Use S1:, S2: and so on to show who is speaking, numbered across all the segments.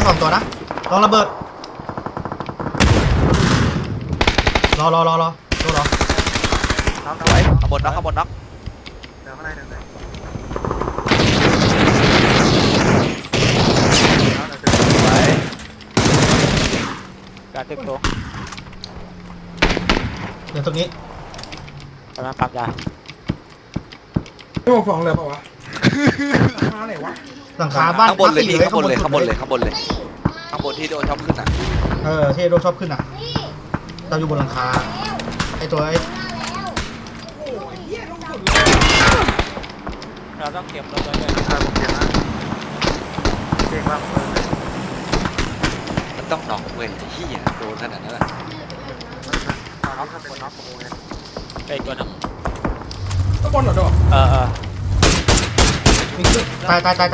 S1: 2ตัวนะลองระเบิดรอ
S2: ไว้ข้างบนน็อก
S3: เดี๋ยวข้างในเดี๋ยวเลย
S2: ไว้
S4: การตึกตัว
S1: เดี๋ยวตรงนี้
S4: กำลังปั๊มยา
S5: ไม่บอก2เลยเปล่าวะมาไหนวะ
S1: หลังคาบ้าน
S2: ข้างบนเลยพี่ข้างบนเลย
S1: สุด
S2: ข้างบนที่โดนชอบขึ้นอ่ะ
S1: ที่โดนชอบขึ้นอ่ะเราอยู่บนหลังคาไอตัวไอ
S5: โอ้ยเหี้ยลงสุด
S4: เราต้องเก็บรถไว้ด้วย
S3: ผมเจ็บนะเก่งมากเลย
S2: มันต้องน็อกเว้ยที่โดนขนาดนั้นแหละ
S3: น็อกถ้าเป็นน็อกผมเลย
S4: ไปอีกตัวนึง
S5: ก็บนเหรอโด
S1: วิ่งขึ้นตายแล้ว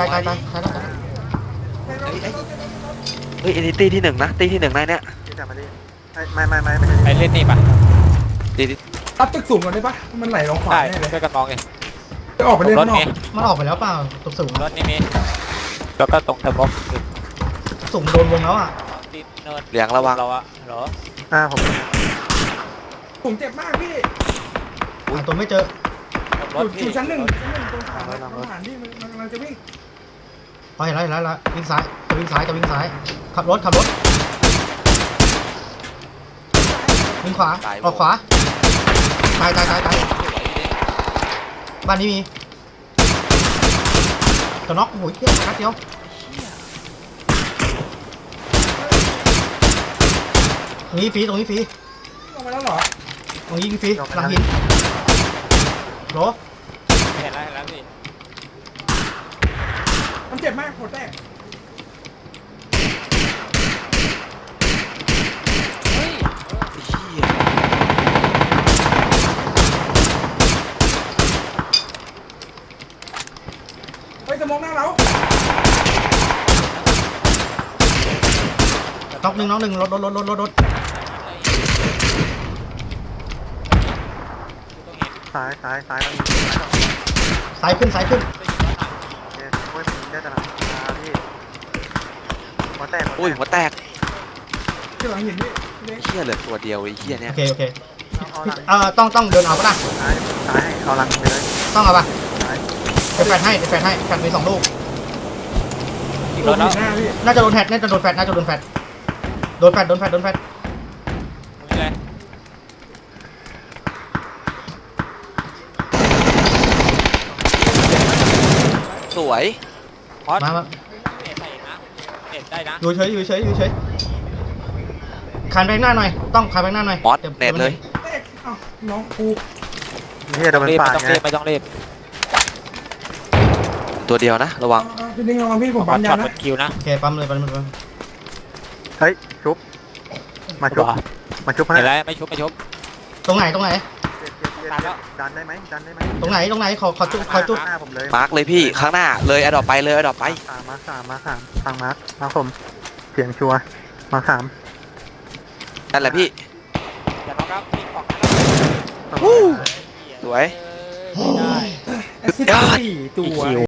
S2: เฮ้ยอันนี้ตีที่หนึ่งนะตีที่หนึ่งในเนี้ย
S3: ที่จะมาดิไม่ใช่
S4: ไปเล่นนี่ปะ
S2: ตีที่
S5: ตัดตึกสูงก่อนได้ปะมันไหลลงขวา
S4: ได้
S5: แน่เลย
S4: ช่วยกันมองเอง
S5: จะออกไปเล่น
S4: ร
S5: ข้า
S4: ถ
S5: งนอก
S4: นี้
S1: มันออกไปแล้วเปล่าตกสูง
S4: รถนี้มีแล้วก็ตรงเทอร์โบ
S1: สูงโดนวงแล้วอ่ะ
S4: ติดเนิน
S2: เหลียงระวัง
S4: เราอะเหรอ
S3: ผม
S5: ผมเจ็บมากพี่
S1: หาตัวไม่เจอ
S4: รถพี่
S5: อยู่ชั้นหนึ่งตรงขาทหารที่มันกำลังจะวิ่ง
S1: เห็นแล้ววิ่งซ้ายจะวิ่งซ้ายขับรถวิ่งขวาออกขวาตายบ้านนี้มีตัวน็อกโอ้ยเที่ยนัดเดียวตรงนี้ฟรี
S5: ลงไปแล้วเหรอ
S1: ตรงนี้ฟรีหลังหินโหล
S4: เห็นแล้วพี่
S5: มันเจ็บมากหัวแตก
S4: เฮ้ย
S5: เฮ้ยจะมองหน้าเรา
S1: น็อกหนึ่งรถ
S4: ต้องเห็น
S3: ซ้ายแล้วมี
S1: ซ้ายขึ้น
S3: โอ้ยผมได้แต่หลังพี่หัวแตก
S2: อุ้ยหัวแตก
S5: ที่หลังหินพี่เล็ก
S2: เหี้ยเหลือตัวเดียวไอ้เหี้ยเนี่ย
S1: โอเค
S3: เอาหลัง
S1: ต้องเดินเอาปะล่ะ
S3: ซ้ายเอาหลังไปเลย
S1: ต้องเอาปะ
S3: ซ้าย
S1: เดี๋ยวแฟดให้แฟดมี2 ลูก
S4: อีกรถแล้ว
S5: หน้าพี่
S1: น่าจะโดนแฟดโดนแฟดมีเลย
S2: สวย
S4: พอด
S1: มา
S4: เอ็ดได้นะเอ็ดได้นะ
S1: อยู่เฉยคันไปหน้าหน่อยต้องคันไปหน้าหน่อย
S2: มอสเน็ตเลย
S5: เอ๊ะเอ้าน้องกู
S3: นี่เดี๋ยวมัน
S4: รีบ
S3: ปา
S4: ไม่
S3: ด
S4: ต้อง
S3: ไง
S4: รีบไม่ต้องรีบ
S2: ตัวเดียวนะระวัง
S5: พี่ดิ้งระวังพี่ผม
S4: พอ
S5: ปั๊
S4: ด
S5: ม
S4: ช็
S5: ยา
S4: อต
S5: นะ
S4: เป็นคิวนะ
S1: โอเคปั๊มเลย
S3: เฮ้ยชุบมาชุบ
S4: เห็นแล้วไม่ชุบ
S1: ตรงไหน
S3: ดันได้ไหม
S1: ตรงไหนขอจุด
S3: หน้าผมเลย
S2: มาร์กเลยพี่ข้างหน้าเลยอดอปไปเลยอดอปไป
S3: มาสามทางมาผมเสียงชัวมาสาม
S2: นั่นแหละพี่
S4: อย่าน็อกครับพี่บอก
S2: สวย
S4: ไม่ได้
S5: แอสซิสต์4ตัว